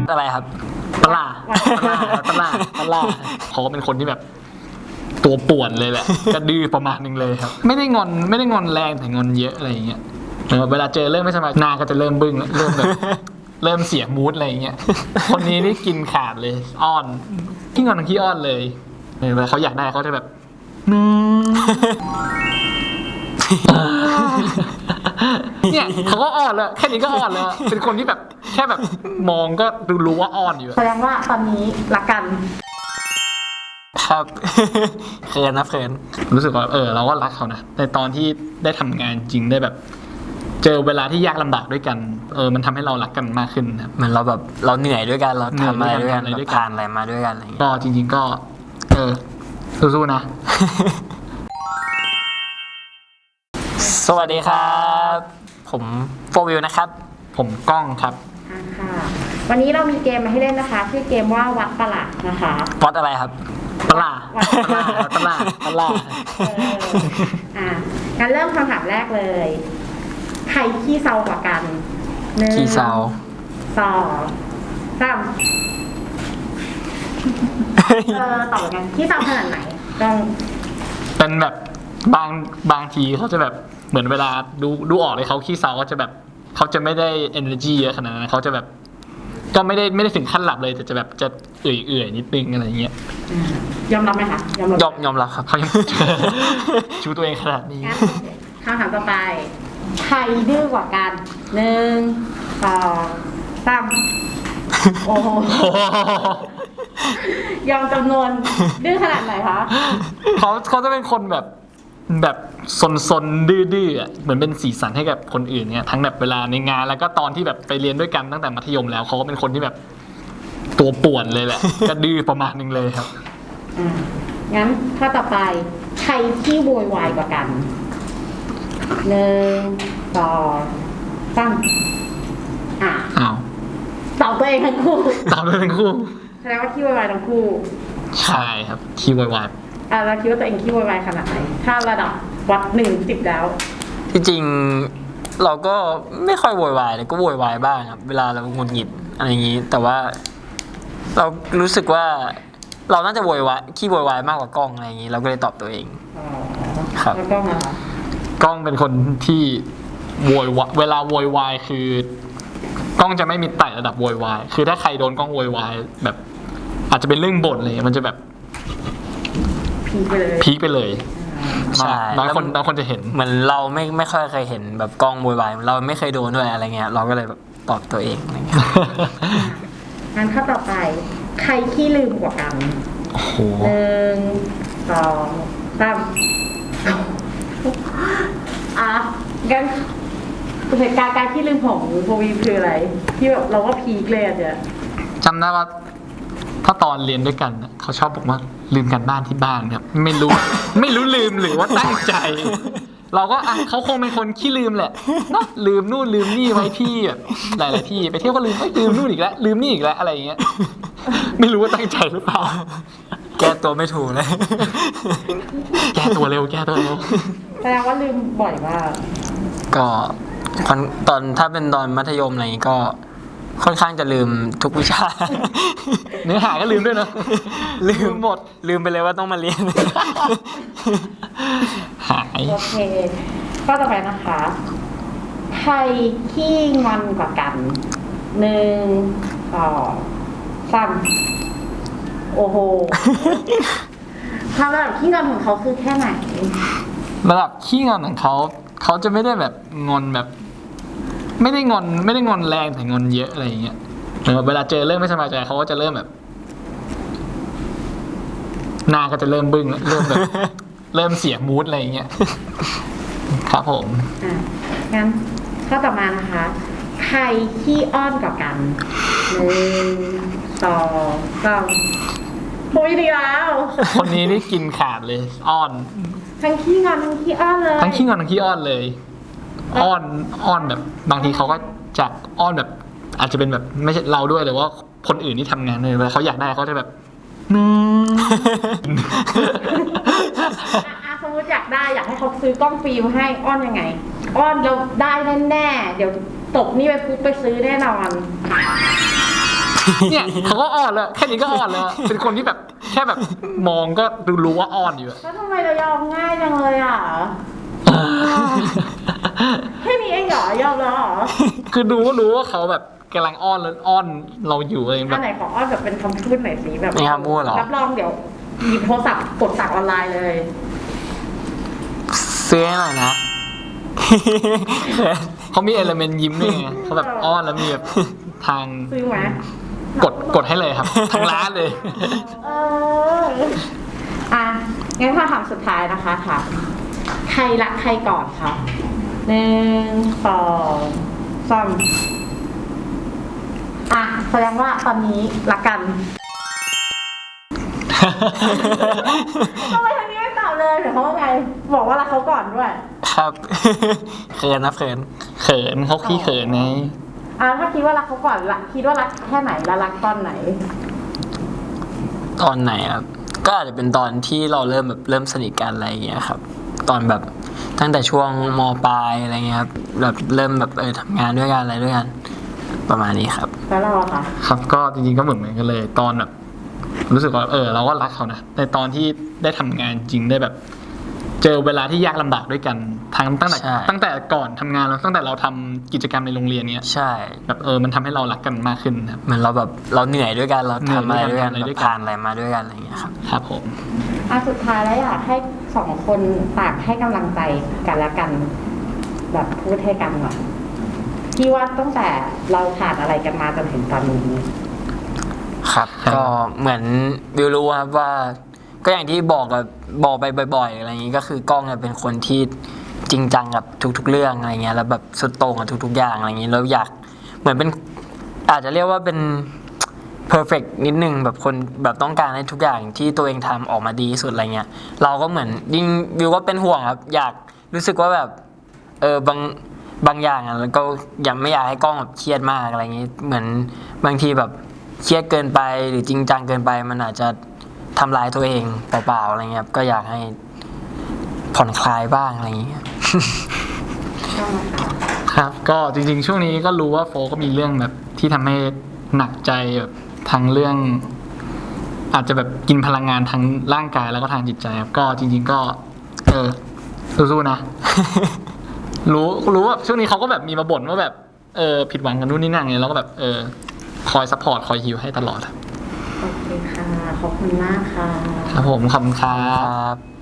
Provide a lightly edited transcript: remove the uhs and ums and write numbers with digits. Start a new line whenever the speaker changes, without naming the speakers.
อะไรครับปลาเขาก็เป็นคนที่แบบตัวป่วนเลยแหละกระดื้อประมาณนึงเลยครับไม่ได้งอนแรงแต่งอนเยอะอะไรอย่างเงี้ยเวลาเจอเรื่องไม่สบายหน้าก็จะเริ่มบึ้งเริ่มแบบเริ่มเสียมูดอะไรอย่างเงี้ยคนนี้นี่กินขาดเลยอ้อนขี้งอนทั้งขี้อ้อนเลยเวลาเขาอยากได้เขาจะแบบเนี่ยเขาก็อ่อนแล้วแค่นี้ก็อ่อนแล้วเป็นคนที่แบบแค่แบบมองก็รู้ว่าอ่อนอยู่
แสดงว่าตอนนี้รักกัน
ครับเขินนะเขินรู้สึกว่าเราก็รักเขานะในตอนที่ได้ทำงานจริงได้แบบเจอเวลาที่ยากลำบากด้วยกันมันทำให้เรารักกันมากขึ้นครับเหมือนเราแบบเราเหนื่อยด้วยกันเราทำอะไรด้วยกันผ่านอะไรมาด้วยกันอะไรอย่างเงี้ยก็จริงๆก็สู้ๆนะสวัสดีครับผมโฟวิวนะครับผมก้องครับ
ค่ะวันนี้เรามีเกมมาให้เล่นนะคะชื่อเกมว่าวัดประหลาดนะคะ
วัดอะไรครับประหลาด
งั้นเริ่มคำถามแรกเลยใครขี้เซากว่ากัน
ขี้เซา
2 3ตอบกันขี้เซาขนาดไหนต้อง
เป็นแบบบางทีเขาจะแบบเหมือนเวลาดูออกเลยเขาขี้เซาก็จะแบบเขาจะไม่ได้ energy เยอะขนาดนั้นเขาจะแบบก็ไม่ได้ถึงขั้นหลับเลยแต่จะแบบจะเอื่อยนิดนึงอะไรเงี้ย
ยอมรับไหมคะ
ยอมรับครับเขายังชูตัวเองขนาดนี้
คำถามต่อไปใครดื้อกว่ากัน1 2 3โอ้โหยอมจำนวนดื้อขนาดไหนคะ
เขาจะเป็นคนแบบซนดื้อๆเหมือนเป็นสีสันให้กับคนอื่นเนี่ยทั้งแบบเวลาในงานแล้วก็ตอนที่แบบไปเรียนด้วยกันตั้งแต่มัธยมแล้วเขาก็เป็นคนที่แบบตัวป่วนเลยแหละก็ดื้อประมาณนึงเลยครับ
งั้นข้อต่อไปใครที่โวยวายกว่ากัน1 2 3ตอบตัวเองทั้งคู่แสดงว่าขี้โวยวายทั้งคู่
ใช่ครับขี้โวยวาย
เราคิดว่าตัวเองขี้โวยวายขนาดไหนถ้าระดับวัด1-10แล้ว
ที่จริงเราก็ไม่ค่อยโวยวายแต่ก็โวยวายบ้างครับเวลาเราหงุดหงิดอะไรอย่างนี้แต่ว่าเรารู้สึกว่าเราน่าจะโวยวายขี้โวยวายมากกว่ากล้องอะไรอย่างนี้เราก็เลยตอบตัวเอง
ครับแล้วกล้องอะ
กล้องเป็นคนที่โวยวายเวลาโวยวายคือกล้องจะไม่มีไต่ระดับโวยวายคือถ้าใครโดนกล้องโวยวายแบบอาจจะเป็นเรื่องบ่นเลยมันจะแบบพีคไปเลยใช่น้อยคนจะเห็นเหมือนเราไม่ค่อยเคยเห็นแบบกล้องโวยวายเราไม่เคยโดนด้วยอะไรเงี้ยเราก็เลยแบบตอบตัวเองอะไรเงี้ย
งั้นข้อต่อไปใครขี้ลืมกว่ากัน1 2 3งั้นเหตุการณ์การขี้ลืมของโฟวีคืออะไรที่แบบเราว่าพีคเลยอะ
จำได้ว่าถ้าตอนเรียนด้วยกันเขาชอบบอกว่าลืมกันบ้านที่บ้านครับไม่รู้ลืมหรือว่าตั้งใจเราก็เขาคงเป็นคนขี้ลืมแหละเนาะลืมนู่นลืมนี่ไว้ที่แบบหลายที่ไปเที่ยวก็ลืมนู่นอีกแล้วลืมนี่อีกแล้วอะไรอย่างเงี้ยไม่รู้ว่าตั้งใจหรือเปล่าแก้ตัวไม่ถูกเลยแก้ตัวเร็ว
แสดงว่าลืมบ่อยมาก
ก็ตอนถ้าเป็นตอนมัธยมอะไรก็ค่อนข้างจะลืมทุกวิชาเนื้อหาก็ลืมด้วยนะลืมหมดลืมไปเลยว่าต้องมาเรียนหาย
โอเคก็ต่อไปนะคะใครขี้งอนกว่ากัน1 2 3โอ้โหความระดับขี้งอนของเขาคือแค่ไหน
ระดับขี้งอนของเขาจะไม่ได้แบบงอนแบบไม่ได้งอนแรงแต่งอนเยอะอะไรอย่างเงี้ยเวลาเจอเรื่องไม่สบายใจเขาก็จะเริ่มแบบหน้าก็จะเริ่มบึ้งเริ่มแบบเริ่มเสียมูดอะไรอย่างเงี้ยครับผม
งั้นข้อต่อมานะคะใครขี้อ้อนกว่ากัน1 2 3พูดดีแล้ว
คนนี้นี่กินขาดเลยอ้อน
ทั้งขี้งอนทั้งขี้อ้อนเลย
ทั้งขี้งอนทั้งขี้อ้อนเลยอ้อนแบบบางทีเขาก็จะอ้อนแบบอาจจะเป็นแบบไม่ใช่เราด้วยหรือว่าคนอื่นที่ทำงานเลยเวลาเขาอยากได้เขาจะแบบ
สมมติอยากให้เขาซื้อกล้องฟิล์มให้อ้อนยังไงอ้อนเราได้แน่ๆเดี๋ยวตกนี่ไปปุ๊บไปซื้อแน่นอน
เนี่ยเขาก็อ่อนแล้วแค่นี้ก็อ่อนแล้วเป็นคนที่แบบแค่แบบมองก็รู้ว่าอ่อนอยู่อะ
แล้วทำไมเรายอมง่ายจังเลยอ่ะแค่นี้เองเหรอยอมแล้วเหรอ
คือดูก็รู้ว่าเขาแบบกำลังอ้อนแล้วอ้อนเราอยู่อะไรแบ
อัน
บ
ไหนขออ้อนแบบเป็นคำพูดหน่อยสิแบบ
มีคำพูดเหรอ
รับรองเดี๋ยวหยิบโทรศัพท์กดสั่งออนไลน์เลย
ซื้อให้หน่อยนะ
เขามีเอลเมนต์ยิ้มด้วยไงเขาแบบอ้อนแล้วมีแบบทาง
ซื้อไหม
กดให้เลยครับทางร้านเลย
เอออ่ะงั้นถ้าถามสุดท้ายนะคะถามใครรักใครก่อนคะ1 2 3อ่ะแสดงว่าตอนนี้รักกันทำไมทางนี้ไม่ตอบเลยเดี๋ยวเขาว่าไงบอกว่ารักเขาก่อนด้วย
ครับ เขินนะเขิน
เขินเขาขี้เขินไง
ถ้าคิดว่ารักเขาก่อนละคิดว่ารักแค่ไหนแล้วรักตอนไหน
ตอนไหนครับ ก็อาจจะเป็นตอนที่เราเริ่มสนิทกันอะไรอย่างเงี้ยครับ ตอนแบบตั้งแต่ช่วงมปลายอะไรเงี้ยครับแบบเริ่มแบบทำงานด้วยกันอะไรด้วยกันประมาณนี้ครับ
แล้วเราอะค่ะ
ครับก็จริงๆก็เหมือนกันเลยตอนแบบรู้สึกว่าเราก็รักเขานะในตอนที่ได้ทำงานจริงได้แบบ เจอเวลาที่ยากลำบากด้วยกันตั้งแต่
ใช่
ตั้งแต่ก่อนทำงานแล้วตั้งแต่เราทำกิจกรรมในโรงเรียนเนี้ย
ใช่
แบบมันทำให้เรารักกันมากขึ้นนะครับ
เหมือนเราแบบเราเหนื่อยด้วยกันเราทำอะไรด้วยกัน
เหนื่อยด้วยกัน
แบบผ่านอะไรมาด้วยกันอะไรอย่างเงี้ยครับ
ครับผม
สุดท้ายแล้วอยากให้2 คนต่างให้กำลังใจกันและกัน แบบพูดให้กันหน่อยที่ว่าตั้งแต่เราผ่านอะไรกันมาจนถึงตอนนี้
ครับ ก็เหมือนวิวรู้ครับว่า ก็อย่างที่บอกไปบ่อยๆอะไรอย่างนี้ก็คือกล้องเนี่ยเป็นคนที่จริงจังกับทุกๆเรื่องอะไรเงี้ยแล้วแบบสุดโต่งกับทุกๆอย่างอะไรอย่างนี้แล้วอยากเหมือนเป็นอาจจะเรียกว่าเป็น perfect นิดนึงแบบคนแบบต้องการให้ทุกอย่างที่ตัวเองทำออกมาดีที่สุดอะไรเงี้ยเราก็เหมือนยิ่งวิวก็เป็นห่วงครับอยากรู้สึกว่าแบบบางอย่างอ่ะแล้วก็ไม่อยากให้กล้องแบบเครียดมากอะไรอย่างนี้เหมือนบางทีแบบเครียดเกินไปหรือจริงจังเกินไปมันอาจจะทำลายตัวเองเปล่าๆอะไรเงี้ยครับก็อยากให้ผ่อนคลายบ้างอะไรอย่างเงี้ย
ครับก็จริงๆช่วงนี้ก็รู้ว่าโฟก็มีเรื่องแบบที่ทำให้หนักใจแบบทั้งเรื่อง อาจจะแบบกินพลังงานทั้งร่างกายแล้วก็ทางจิตใจครับก็จริงๆก็สู้ๆนะ รู้ว่าช่วงนี้เขาก็แบบมีมาบ่นว่าแบบผิดหวังกันนู่นนี่นั่นไงแล้วก็แบบคอยซัพพอร์ตคอยฮิวให้ตลอดครับ
โอเคค่ะ ขอบคุณมากค่ะ
ครับผมขอบคุณครั
ครับ บ